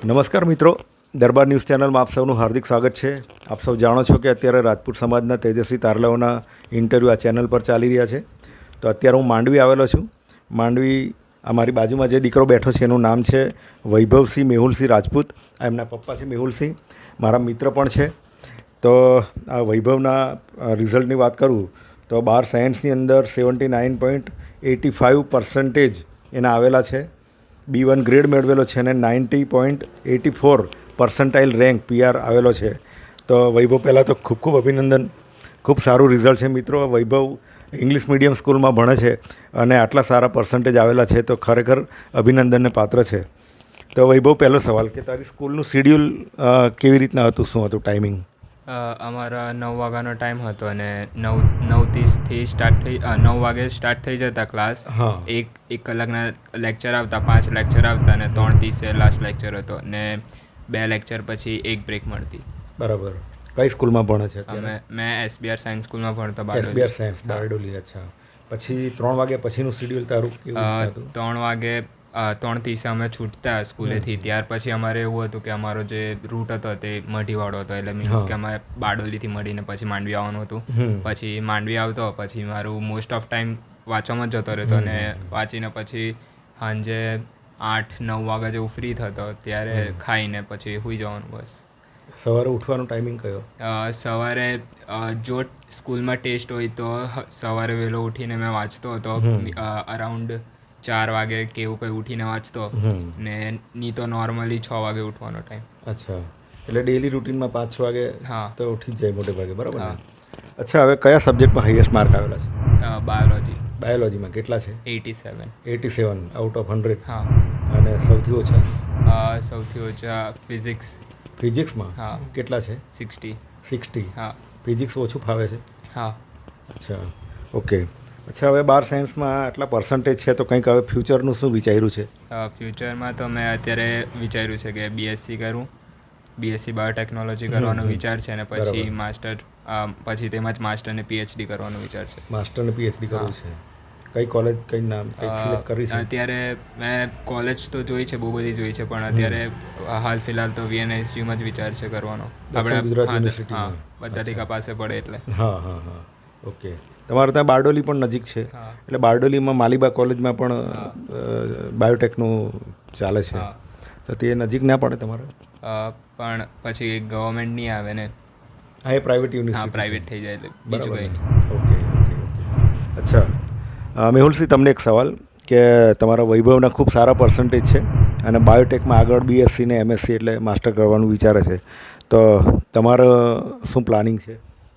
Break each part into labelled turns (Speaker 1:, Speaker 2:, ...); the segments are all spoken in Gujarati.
Speaker 1: નમસ્કાર મિત્રો, દરબાર ન્યૂઝ ચેનલમાં આપ સૌનું હાર્દિક સ્વાગત છે. આપ સૌ જાણો છો કે અત્યારે રાજપૂત સમાજના તેજસ્વી તારલાઓના ઇન્ટરવ્યૂ આ ચેનલ પર ચાલી રહ્યા છે. તો અત્યારે હું માંડવી આવેલો છું. માંડવી આ મારી બાજુમાં જે દીકરો બેઠો છે એનું નામ છે વૈભવસિંહ મેહુલસિંહ રાજપૂત. આ એમના પપ્પા છે મેહુલસિંહ, મારા મિત્ર પણ છે. તો આ વૈભવના રિઝલ્ટની વાત કરું તો 12 સાયન્સની અંદર 79.85% એના આવેલા છે. B1 ગ્રેડ મેળવેલો છે અને 90.84% રેન્ક PR આવેલો છે. તો વૈભવ પહેલાં તો ખૂબ ખૂબ અભિનંદન, ખૂબ સારું રિઝલ્ટ છે મિત્રો. વૈભવ ઇંગ્લિશ મીડિયમ સ્કૂલમાં ભણે છે અને આટલા સારા પર્સન્ટેજ આવેલા છે તો ખરેખર અભિનંદનને પાત્ર છે. તો વૈભવ, પહેલો સવાલ કે તારી સ્કૂલનું શિડ્યુલ કેવી રીતના હતું, શું હતું ટાઈમિંગ?
Speaker 2: અમારા 9 વાગ્યાનો ટાઈમ હતો અને 9:30થી સ્ટાર્ટ થઈ 9 વાગે સ્ટાર્ટ થઈ જતા ક્લાસ. એક કલાકના લેક્ચર આવતા, 5 લેક્ચર આવતા અને 3:30 લાસ્ટ લેક્ચર હતો ને 2 લેક્ચર પછી એક બ્રેક મળતી.
Speaker 1: બરાબર. કઈ સ્કૂલમાં ભણે છે?
Speaker 2: મેં SBR સાયન્સ સ્કૂલમાં ભણતો.
Speaker 1: SBR science Bardoli. અચ્છા. પછી 3 વાગ્યા પછીનું શિડ્યુલ તારું કેવું હતું?
Speaker 2: 3 વાગે 3:30 અમે છૂટતા સ્કૂલેથી. ત્યાર પછી અમારે એવું હતું કે અમારો જે રૂટ હતો તે મઢીવાળો હતો, એટલે મીન્સ કે અમારે બારડોલીથી મળીને પછી માંડવી આવવાનું હતું. પછી માંડવી આવતો, પછી મારું મોસ્ટ ઓફ ટાઈમ વાંચવામાં જ જતો રહેતો અને વાંચીને પછી સાંજે 8-9 વાગ્યા જેવું ફ્રી થતો, ત્યારે ખાઈને પછી સૂઈ જવાનું બસ.
Speaker 1: સવારે ઉઠવાનો ટાઈમિંગ કયો?
Speaker 2: સવારે જો સ્કૂલમાં ટેસ્ટ હોય તો સવારે વહેલો ઉઠીને મેં વાંચતો હતો. અરાઉન્ડ 4 વાગે કે એવું કંઈ ઉઠીને વાંચતો ને નહીં તો નોર્મલી 6 વાગે ઉઠવાનો ટાઈમ.
Speaker 1: અચ્છા, એટલે ડેલી રૂટીનમાં 5-6 વાગે તો ઉઠી જ જાય મોટે ભાગે, બરાબર? અચ્છા, હવે કયા સબ્જેક્ટમાં હાઈએસ્ટ માર્ક આવેલા છે?
Speaker 2: બાયોલોજી.
Speaker 1: બાયોલોજીમાં કેટલા છે?
Speaker 2: 87.
Speaker 1: 87 આઉટ ઓફ 100.
Speaker 2: હા.
Speaker 1: અને સૌથી ઓછા?
Speaker 2: સૌથી ઓછા ફિઝિક્સ.
Speaker 1: ફિઝિક્સમાં કેટલા છે?
Speaker 2: 60. હા.
Speaker 1: ફિઝિક્સ ઓછું ફાવે છે?
Speaker 2: હા.
Speaker 1: અચ્છા, ઓકે. અચ્છા, હવે 12 સાયન્સમાં આટલા પર્સન્ટેજ છે તો કંઈક હવે ફ્યુચરનું શું વિચાર્યું છે?
Speaker 2: ફ્યુચરમાં તો મેં અત્યારે વિચાર્યું છે કે BSc કરું. BSc બાયોટેકનોલોજી કરવાનો વિચાર છે અને પછી માસ્ટર, પછી તેમાં જ માસ્ટર ને PhD કરવાનો વિચાર છે.
Speaker 1: માસ્ટર ને PhD કરવું છે. કઈ કોલેજ, કઈ નામ, કઈ સિલેક્ટ કરી છે?
Speaker 2: અત્યારે મેં કોલેજ તો જોઈ છે, બહુ બધી જોઈ છે, પણ અત્યારે હાલ ફિલહાલ તો VNSGમાં જ વિચાર છે કરવાનો.
Speaker 1: આપણે ગુજરાત યુનિવર્સિટીમાં
Speaker 2: બધાથી કપાસે પડે એટલે.
Speaker 1: હા, ઓકે. તમારે ત્યાં બારડોલી પણ નજીક છે, એટલે બારડોલીમાં માલીબા કોલેજમાં પણ બાયોટેકનું ચાલે છે. તો તે નજીક ના પડે તમારે?
Speaker 2: પણ પછી ગવર્મેન્ટ નહીં આવે ને.
Speaker 1: હા, એ પ્રાઇવેટ યુનિવર્સિટી.
Speaker 2: હા, પ્રાઇવેટ થઈ જાય એટલે બીજું કંઈ નહીં.
Speaker 1: ઓકે. અચ્છા, મેહુલસિંહ, તમને એક સવાલ કે તમારા વૈભવના ખૂબ સારા પર્સન્ટેજ છે અને બાયોટેકમાં આગળ BSc ને MSc એટલે માસ્ટર કરવાનું વિચારે છે, તો તમારું શું પ્લાનિંગ છે?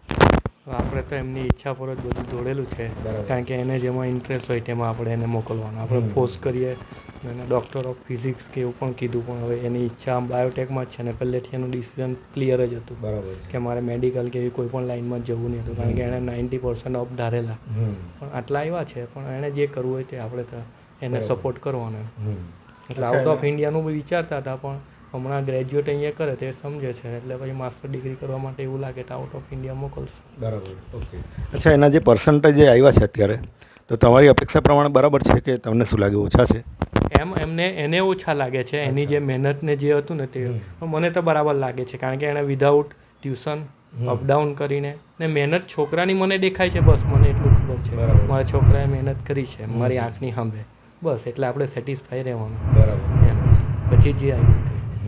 Speaker 3: આપણે તો એમની ઈચ્છા પર જ બધું દોડેલું છે, કારણ કે એને જેમાં ઇન્ટરેસ્ટ હોય તેમાં આપણે એને મોકલવાનું. આપણે ફોર્સ કરીએ એને ડૉક્ટર ઓફ ફિઝિક્સ કે એવું પણ કીધું, પણ હવે એની ઈચ્છા બાયોટેકમાં જ છે ને પહેલેથી એનું ડિસિઝન ક્લિયર જ હતું. બરાબર. કે મારે મેડિકલ કે એવી કોઈ પણ લાઇનમાં જ જવું નહીં હતું, કારણ કે એણે 90% ઓફ ધારેલા. પણ આટલા આવ્યા છે, પણ એણે જે કરવું હોય તે આપણે તો એને સપોર્ટ કરવાનો. એટલે આઉટ ઓફ ઇન્ડિયાનું બી વિચારતા હતા, પણ હમણાં ગ્રેજ્યુએટ અહીંયા કરે તે સમજે છે, એટલે પછી માસ્ટર ડિગ્રી કરવા માટે એવું લાગે તો આઉટ ઓફ ઇન્ડિયા મોકલશે.
Speaker 1: બરાબર, ઓકે. અચ્છા, એના જે પર્સન્ટેજ જે આવ્યા છે અત્યારે, તો તમારી અપેક્ષા પ્રમાણે બરાબર છે કે તમને શું લાગે ઓછા છે?
Speaker 3: એને ઓછા લાગે છે. એની જે મહેનત ને જે હતું ને તે મને તો બરાબર લાગે છે, કારણ કે એણે વિધાઉટ ટ્યુશન અપડાઉન કરીને ને મહેનત છોકરાની મને દેખાય છે. બસ મને એટલું ખબર છે મારા છોકરાએ મહેનત કરી છે મારી આંખની સામે, બસ એટલે આપણે સેટિસ્ફાઈ રહેવાનું. બરાબર. એમ પછી જે આવ્યું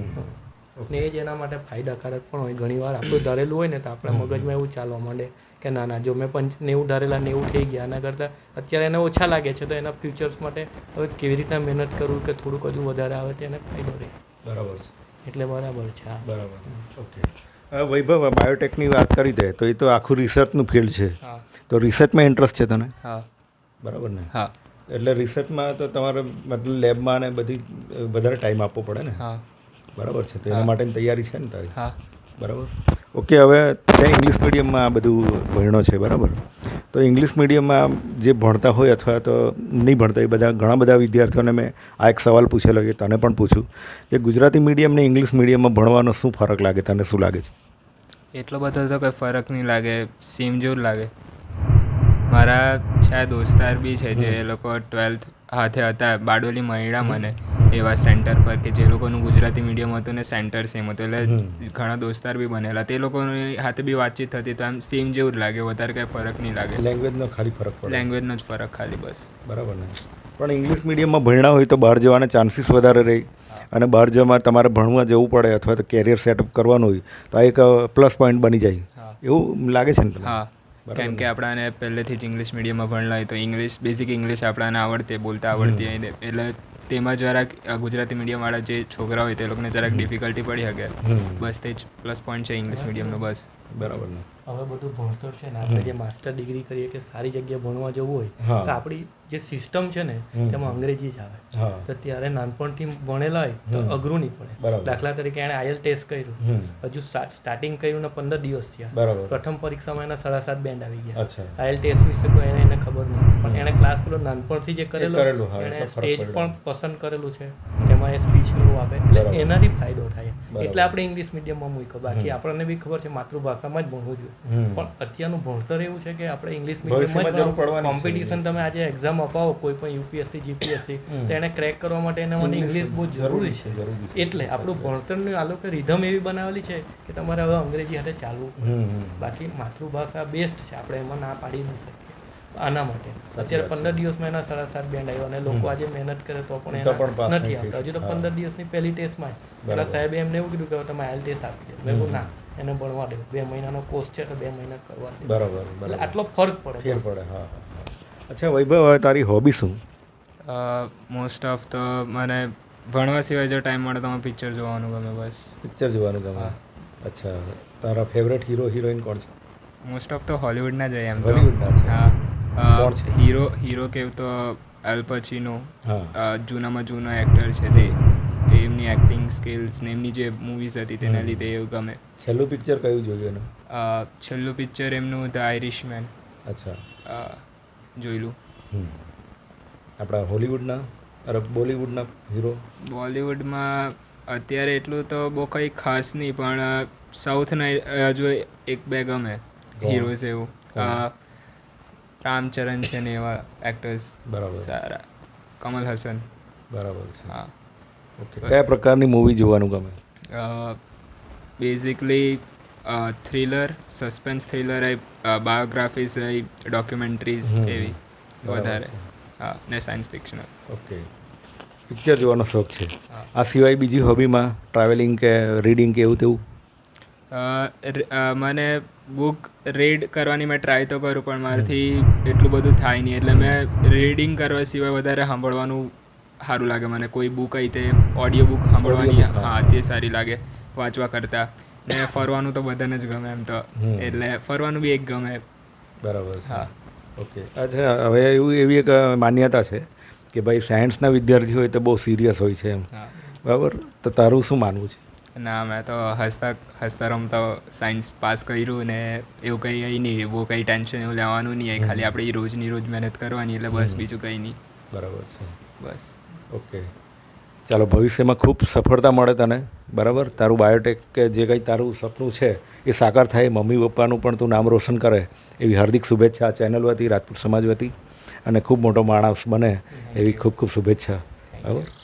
Speaker 3: ને એ જ એના માટે ફાયદાકારક પણ હોય. ઘણીવાર આપણું ધારેલું હોય ને તો આપણા મગજમાં એવું ચાલવા માંડે કે ના જો મેં 90 ધારેલા 90 થઈ ગયા, એના કરતાં અત્યારે એને ઓછા લાગે છે, તો એના ફ્યુચર્સ માટે હવે કેવી રીતના મહેનત કરવું કે થોડુંક હજુ વધારે આવે તો એને ફાયદો રહે. બરાબર છે. એટલે બરાબર છે. બરાબર,
Speaker 1: ઓકે. વૈભવ, બાયોટેકની વાત કરી દે તો એ તો આખું રિસર્ચનું ફિલ્ડ છે, તો રિસર્ચમાં ઇન્ટરેસ્ટ છે તને?
Speaker 2: હા.
Speaker 1: બરાબર ને?
Speaker 2: હા.
Speaker 1: એટલે રિસર્ચમાં તો તમારે મતલબ લેબમાં ને બધી વધારે ટાઈમ આપવો પડે ને?
Speaker 2: હા.
Speaker 1: બરાબર છે. તો એના માટેની તૈયારી છે ને તારી?
Speaker 2: હા.
Speaker 1: બરાબર, ઓકે. હવે ત્યાં ઇંગ્લિશ મીડિયમમાં આ બધું ભણ્યો છે, બરાબર? તો ઇંગ્લિશ મીડિયમમાં જે ભણતા હોય અથવા તો નહીં ભણતા, એ બધા ઘણા બધા વિદ્યાર્થીઓને મેં આ એક સવાલ પૂછેલો કે તને પણ પૂછું કે ગુજરાતી મીડિયમ ને ઇંગ્લિશ મીડિયમમાં ભણવાનો શું ફરક લાગે, તને શું લાગે છે?
Speaker 2: એટલો બધો તો કંઈ ફરક નહીં લાગે, સેમ જેવું લાગે. મારા દોસ્તાર બી છે જે લોકો 12th હાથે હતા, બારડોલી મળ્યા મને, એવા સેન્ટર પર કે જે લોકોનું ગુજરાતી મીડિયમ હતું ને સેન્ટર સેમ હતું, એટલે ઘણા દોસ્તાર બી બનેલા. તે લોકોની હાથે બી વાતચીત થતી તો આમ સેમ જેવું જ લાગે, વધારે કંઈ ફરક નહીં લાગે.
Speaker 1: લેંગ્વેજનો ખાલી ફરક પડે.
Speaker 2: લેંગ્વેજનો જ ફરક ખાલી, બસ.
Speaker 1: બરાબર ને. પણ ઇંગ્લિશ મીડિયમમાં ભણ્યા હોય તો બહાર જવાના ચાન્સીસ વધારે રહે, અને બહાર જવામાં તમારે ભણવા જવું પડે અથવા તો કેરિયર સેટઅપ કરવાનું હોય તો આ એક પ્લસ પોઈન્ટ બની જાય, એવું લાગે છે ને તમને?
Speaker 2: હા, કેમ કે આપણાને પહેલેથી જ ઇંગ્લિશ મીડિયમમાં ભણેલા હોય તો ઇંગ્લિશ, બેઝિક ઇંગ્લિશ આપણાને આવડતી, બોલતા આવડતી હોય, એટલે તેમાં જરાક ગુજરાતી મીડિયમવાળા જે છોકરા હોય તે લોકોને જરાક ડિફિકલ્ટી પડી શકે. બસ તે જ પ્લસ પોઈન્ટ છે ઇંગ્લિશ મીડિયમનો, બસ.
Speaker 1: બરાબર ને.
Speaker 3: હવે બધું ભણતર છે ને, આપણે જે માસ્ટર ડિગ્રી કરીએ કે સારી જગ્યાએ ભણવા જવું હોય તો આપણી જે સિસ્ટમ છે ને તેમાં અંગ્રેજી જ આવે. તો ત્યારે નાનપણથી ભણેલા હોય તો અઘરું નહીં પડે. દાખલા તરીકે એણે આઈએલ ટેસ્ટ કર્યું, હજુ સ્ટાર્ટિંગ કર્યું ને 15 દિવસ થયા, પ્રથમ પરીક્ષામાં એના 7.5 બેન્ડ આવી ગયા. આઈએલ ટેસ્ટ વિશે કોઈ એને ખબર નહીં, પણ એણે ક્લાસ પેલો નાનપણથી જે કરેલું, એણે સ્ટેજ પણ પસંદ કરેલું છે, તેમાં એ સ્પીચનું આપે, એટલે એનાથી ફાયદો થાય. એટલે આપણે ઇંગ્લિશ મીડિયમમાં મૂક્યો. બાકી આપણને બી ખબર છે માતૃભાષામાં જ ભણવું જોઈએ, પણ અત્યારનું ભણતર એવું છે કે આપણે ઇંગ્લિશ મીડિયમમાં કોમ્પિટિશન, તમે આજે એક્ઝામ અપાવો કોઈ પણ યુપીએસસી જીપીએસસી, તો એને ક્રેક કરવા માટે એના માટે ઇંગ્લિશ બહુ જરૂરી છે. એટલે આપણું ભણતરનું આ લોકો રિધમ એવી બનાવેલી છે કે તમારે હવે અંગ્રેજી હાથે ચાલવું. બાકી માતૃભાષા બેસ્ટ છે, આપણે એમાં ના પાડી નહીં શકીએ. આના માટે અત્યારે 15 દિવસમાં એના 7.5 બેન્ડ આવ્યો, અને લોકો આજે મહેનત કરે તો પણ એના નથી આવતા. હજુ તો 15 દિવસની પહેલી ટેસ્ટમાં પેલા સાહેબે એમને એવું કીધું કે તમે આઈએલ ટેસ્ટ આપી દો. મેં કહ્યું ના, એને ભણવા દો, 2 મહિનાનો કોર્સ છે તો 2 મહિના કરવા દે.
Speaker 1: બરાબર.
Speaker 3: એટલે આટલો ફરક પડે.
Speaker 1: હા. અચ્છા વૈભવ, હવે તારી હોબી શું?
Speaker 2: મોસ્ટ ઓફ તો મને ભણવા સિવાય જો ટાઈમ મળે તો મને પિક્ચર જોવાનું ગમે, બસ.
Speaker 1: પિક્ચર જોવાનું ગમે. અચ્છા, તારા ફેવરેટ હીરો હિરોઈન કોણ છે?
Speaker 2: મોસ્ટ ઓફ તો હોલિવૂડના જ હોય એમ તો.
Speaker 1: હોલિવૂડના છે.
Speaker 2: હા, હીરો કેવું તો અલ પચીનો, જૂનામાં જૂનો એક્ટર છે તે, એમની એક્ટિંગ સ્કિલ્સ ને એમની જે મૂવીઝ હતી તેના લીધે એવું ગમે.
Speaker 1: છેલ્લું પિક્ચર કયું જોયું એનું?
Speaker 2: છેલ્લું પિક્ચર એમનું ધ આઇરિશમેન.
Speaker 1: અચ્છા,
Speaker 2: જોયેલું.
Speaker 1: આપણા હોલિવૂડના, અરે બોલિવૂડના હીરો?
Speaker 2: બોલિવૂડમાં અત્યારે એટલું તો બહુ કંઈ ખાસ નહીં, પણ સાઉથના હજુ 1-2 ગમે હીરોઝ. એવું રામચરણ છે ને એવા એક્ટર્સ
Speaker 1: બરાબર
Speaker 2: સારા. કમલ હસન.
Speaker 1: બરાબર છે.
Speaker 2: હા.
Speaker 1: ઓકે. કયા પ્રકારની મૂવી જોવાનું ગમે?
Speaker 2: બેઝિકલી થ્રિલર, સસ્પેન્સ થ્રિલર હોય, બાયોગ્રાફીઝ હોય, ડોક્યુમેન્ટરીઝ એવી વધારે. હા, ને સાયન્સ ફિક્શનલ.
Speaker 1: ઓકે. પિક્ચર જોવાનો શોખ છે. આ સિવાય બીજી હોબીમાં ટ્રાવેલિંગ કે રીડિંગ કે એવું તેવું?
Speaker 2: મને બુક રીડ કરવાની મેં ટ્રાય તો કરું, પણ મારાથી એટલું બધું થાય નહીં. એટલે મેં રીડિંગ કરવા સિવાય વધારે સાંભળવાનું સારું લાગે મને. કોઈ બુક આવી તે ઓડિયો બુક સાંભળવાની, હા, તે સારી લાગે વાંચવા કરતાં. ને ફરવાનું તો બધાને જ ગમે એમ તો, એટલે ફરવાનું બી એક ગમે.
Speaker 1: બરાબર છે.
Speaker 2: હા.
Speaker 1: ઓકે. અચ્છા, હવે એવી એક માન્યતા છે કે ભાઈ સાયન્સના વિદ્યાર્થી હોય તો બહુ સિરિયસ હોય છે એમ, બરાબર? તો તારું શું માનવું છે?
Speaker 2: ના, મેં તો હસતા રમતા સાયન્સ પાસ કર્યું ને એવું કંઈ નહીં, બહુ કંઈ ટેન્શન એવું લેવાનું નહીં. ખાલી આપણે રોજની રોજ મહેનત કરવાની, એટલે બસ, બીજું કંઈ નહીં.
Speaker 1: બરાબર છે.
Speaker 2: બસ.
Speaker 1: ઓકે. ચાલો, ભવિષ્યમાં ખૂબ સફળતા મળે તને, બરાબર? તારું બાયોટેક કે જે કંઈ તારું સપનું છે એ સાકાર થાય, મમ્મી પપ્પાનું પણ તું નામ રોશન કરે, એવી હાર્દિક શુભેચ્છા ચેનલ વતી, રાજપૂત સમાજ વતી, અને ખૂબ મોટો માણસ બને એવી ખૂબ ખૂબ શુભેચ્છા, બરાબર?